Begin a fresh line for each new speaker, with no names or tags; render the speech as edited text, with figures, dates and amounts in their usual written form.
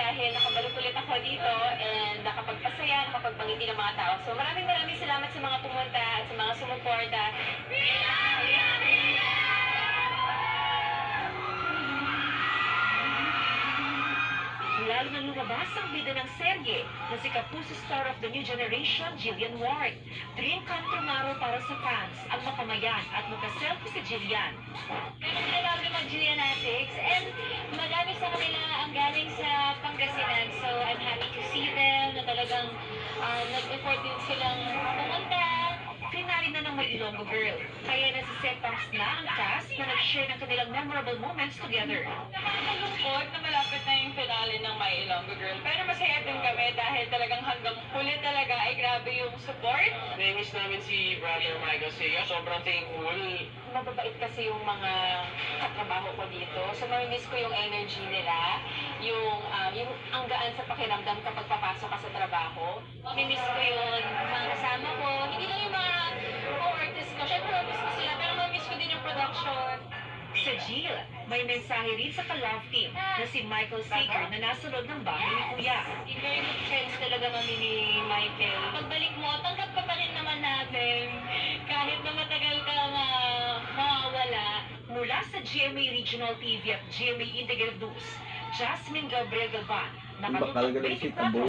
dahil nakabalik ulit ako dito and nakapagpasaya, nakapagpangiti ng mga tao. So maraming salamat sa mga pumunta at sa mga sumuporta.
Lalo nang lumabas ang bida ng serye na si Kapuso star of the new generation, Jillian Ward. Dream come true nga raw para sa fans ang makamayan at magka-selfie si Jillian.
Meron sila kami mag-Julianatics and marami sa kanila ang galing sa Pangasinan. So I'm happy to see them na talagang nag-effort din silang pumunta.
Finale na ng May Ilonggo Girl. Kaya nasisepangs na ang cast na nag-share ng kanilang memorable moments together.
Nakakalungkot na malapit na yung finale ng My Ilonggo Girl. Pero masaya din kami dahil talagang hanggang huli talaga ay grabe yung support.
Namiss namin si Brother Michael Seiya. Sobrang thankful.
Mababait kasi yung mga katrabaho ko dito. So mamimiss ko yung energy nila, yung ang gaan sa pakiramdam kapag papasok ka sa trabaho. Mamimiss ko yun, mga kasama ko. Hindi lang yung mga co-artists ko. Siyempre mamimiss ko sila, pero mamimiss ko din yung production.
Sa Jill, may mensahe rin sa ka-love team na si Michael Sager na nasa loob ng bahay ni Kuya.
Very good friends talaga kami ni Michael. Pagbalik mo, tanggap ka pa rin naman natin. Kahit na matagal ka nga mawawala.
Mula sa GMA Regional TV at GMA Integrated News, Jasmine Gabriel Galvan,
Bakal
nakalutang
galing si
24